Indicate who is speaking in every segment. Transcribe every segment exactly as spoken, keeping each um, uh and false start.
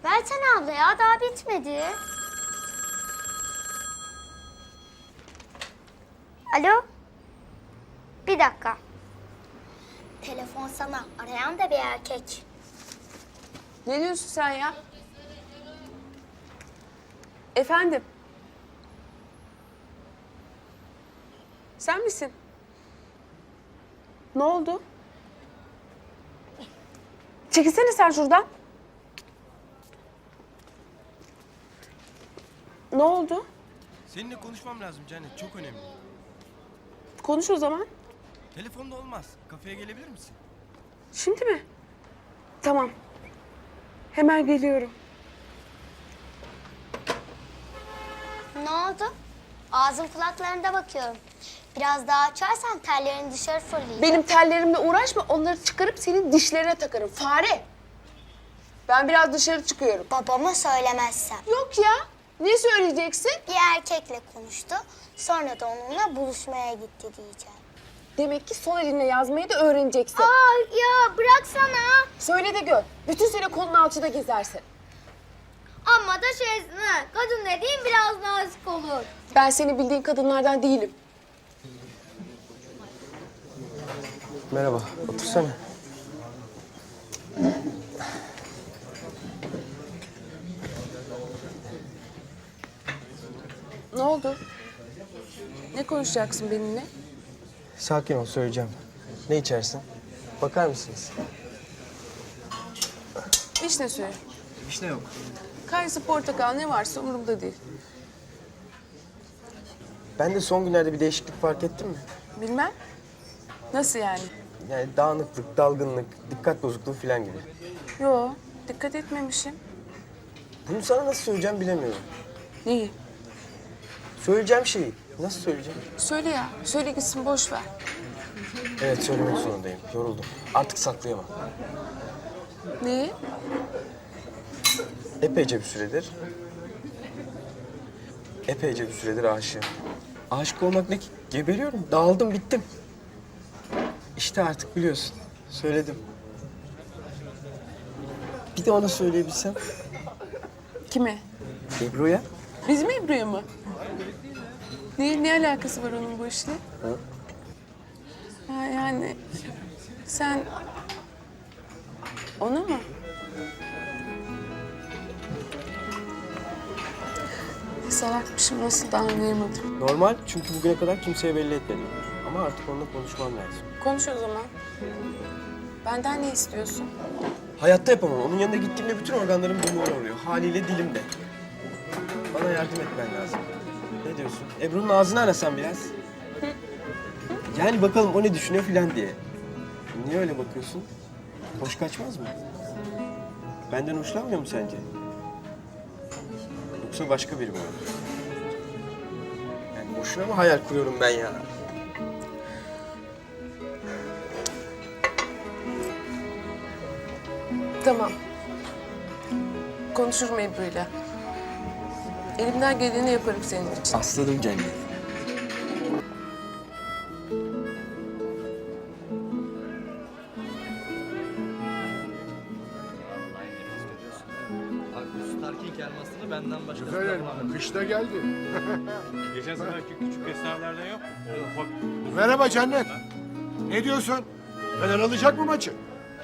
Speaker 1: Versene abla ya, daha bitmedi. Alo? Bir dakika. Telefon sana. Arayan da bir erkek.
Speaker 2: Ne diyorsun sen ya? Efendim? Sen misin? Ne oldu? Çekilsene sen şuradan. Ne oldu?
Speaker 3: Seninle konuşmam lazım Cennet, çok önemli.
Speaker 2: Konuş o zaman.
Speaker 3: Telefonda olmaz. Kafeye gelebilir misin?
Speaker 2: Şimdi mi? Tamam. Hemen geliyorum.
Speaker 1: Ne oldu? Ağzın kulaklarında bakıyorum. Biraz daha açarsan tellerin dışarı fırlayacak.
Speaker 2: Benim tellerimle uğraşma. Onları çıkarıp senin dişlerine takarım. Fare. Ben biraz dışarı çıkıyorum.
Speaker 1: Babama söylemezsem.
Speaker 2: Yok ya. Ne söyleyeceksin?
Speaker 1: Bir erkekle konuştu. Sonra da onunla buluşmaya gitti diyeceğim.
Speaker 2: Demek ki sol elinle yazmayı da öğreneceksin.
Speaker 1: Aa ya bıraksana.
Speaker 2: Söyle de gör. Bütün sene kolun alçıda gezersin.
Speaker 1: Ama da şeysin ha. Kadın dediğin biraz nazik olur.
Speaker 2: Ben senin bildiğin kadınlardan değilim.
Speaker 3: Merhaba, otursana.
Speaker 2: Ne oldu? Ne konuşacaksın benimle?
Speaker 3: Sakin ol, söyleyeceğim. Ne içersin? Bakar mısınız?
Speaker 2: Vişne suyu.
Speaker 3: Vişne yok.
Speaker 2: Kayısı, portakal ne varsa umurumda değil.
Speaker 3: Ben de son günlerde bir değişiklik fark ettim mi?
Speaker 2: Bilmem. Nasıl yani?
Speaker 3: Yani dağınıklık, dalgınlık, dikkat bozukluğu falan gibi.
Speaker 2: Yo, dikkat etmemişim.
Speaker 3: Bunu sana nasıl söyleyeceğim bilemiyorum.
Speaker 2: Neyi?
Speaker 3: Söyleyeceğim şeyi. Nasıl söyleyeceğim?
Speaker 2: Söyle ya. Söyle gitsin, boş ver.
Speaker 3: Evet, söylemek zorundayım. Yoruldum. Artık saklayamam.
Speaker 2: Neyi?
Speaker 3: Epeyce bir süredir... Epeyce bir süredir aşığım. Aşık olmak ne ki? Geberiyorum. Dağıldım, bittim. İşte artık biliyorsun. Söyledim. Bir de ona söyleyebilsem.
Speaker 2: Kime?
Speaker 3: Ebru'ya.
Speaker 2: Bizim Ebru'ya mı? Ne, ne alakası var onun bu işle?
Speaker 3: Ha?
Speaker 2: Ha, yani sen ona mı? Salakmışım, nasıl da anlayamadım.
Speaker 3: Normal, çünkü bugüne kadar kimseye belli etmedim. Ama artık onunla konuşmam lazım.
Speaker 2: Konuş o zaman. Benden ne istiyorsun?
Speaker 3: Hayatta yapamam. Onun yanına gittiğimde bütün organlarım dumura oluyor. Haliyle dilim de. Bana yardım etmen lazım. Ne diyorsun? Ebru'nun ağzını arasan biraz. Yani bakalım o ne düşünüyor filan diye. Niye öyle bakıyorsun? Hoş kaçmaz mı? Benden hoşlanmıyor mu sence? Yoksa başka biri mi var? Yani boşuna mı hayal kuruyorum ben ya?
Speaker 2: Tamam. Konuşurum Ebru'yla. Elimden geleni yaparım senin için.
Speaker 3: Aslanım cennet.
Speaker 4: Starking elmasını benden başka
Speaker 5: Güzel elma. Kış da geldi.
Speaker 6: Geçen seferki küçük eserlerden yok. O ufak.
Speaker 5: Merhaba Cennet. Ne diyorsun? Fener alacak mı maçı?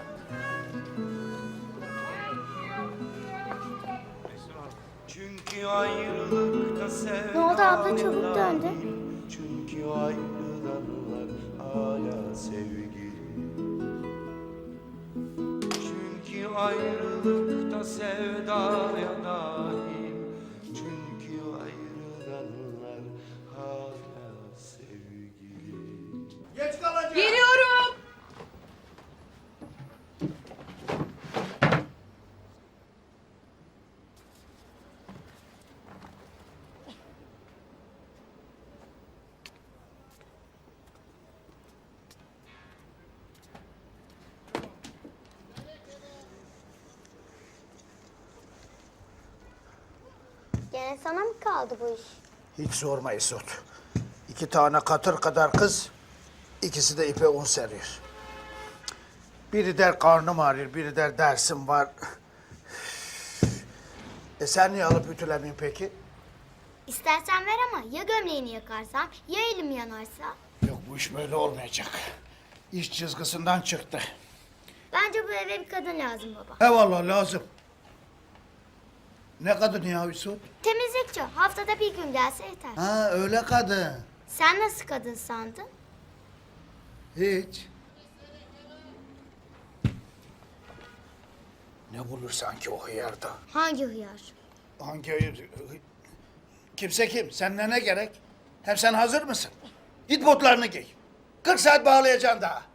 Speaker 7: Çünkü ayrılıkta sevda
Speaker 1: Ne oldu abla, çabuk döndü.
Speaker 7: Çünkü ayrılanlar hala sevgili. Çünkü ayrılıkta sevdaya dahil. Çünkü ayrılanlar hala sevgili.
Speaker 2: Geliyorum.
Speaker 1: Gene sana mı kaldı bu iş?
Speaker 5: Hiç sorma Esot. İki tane katır kadar kız, ikisi de ipe un seriyor. Biri der karnım ağrıyor, biri der dersim var. E sen niye alıp ütülemiyorsun peki?
Speaker 1: İstersen ver ama ya gömleğini yakarsam ya elim yanarsa?
Speaker 5: Yok bu iş böyle olmayacak. İş çizgisinden çıktı.
Speaker 1: Bence bu eve bir kadın lazım baba.
Speaker 5: He vallahi lazım. Ne kadın ya Hüsnü?
Speaker 1: Temizlikçi. Haftada bir gün gelse yeter.
Speaker 5: Ha öyle kadın.
Speaker 1: Sen nasıl kadın sandın?
Speaker 5: Hiç. Ne bulur sanki o hıyarda?
Speaker 1: Hangi hıyar?
Speaker 5: Hangi hıyar? Kimse kim? Seninle ne gerek? Hem sen hazır mısın? Git botlarını giy. kırk saat bağlayacaksın daha.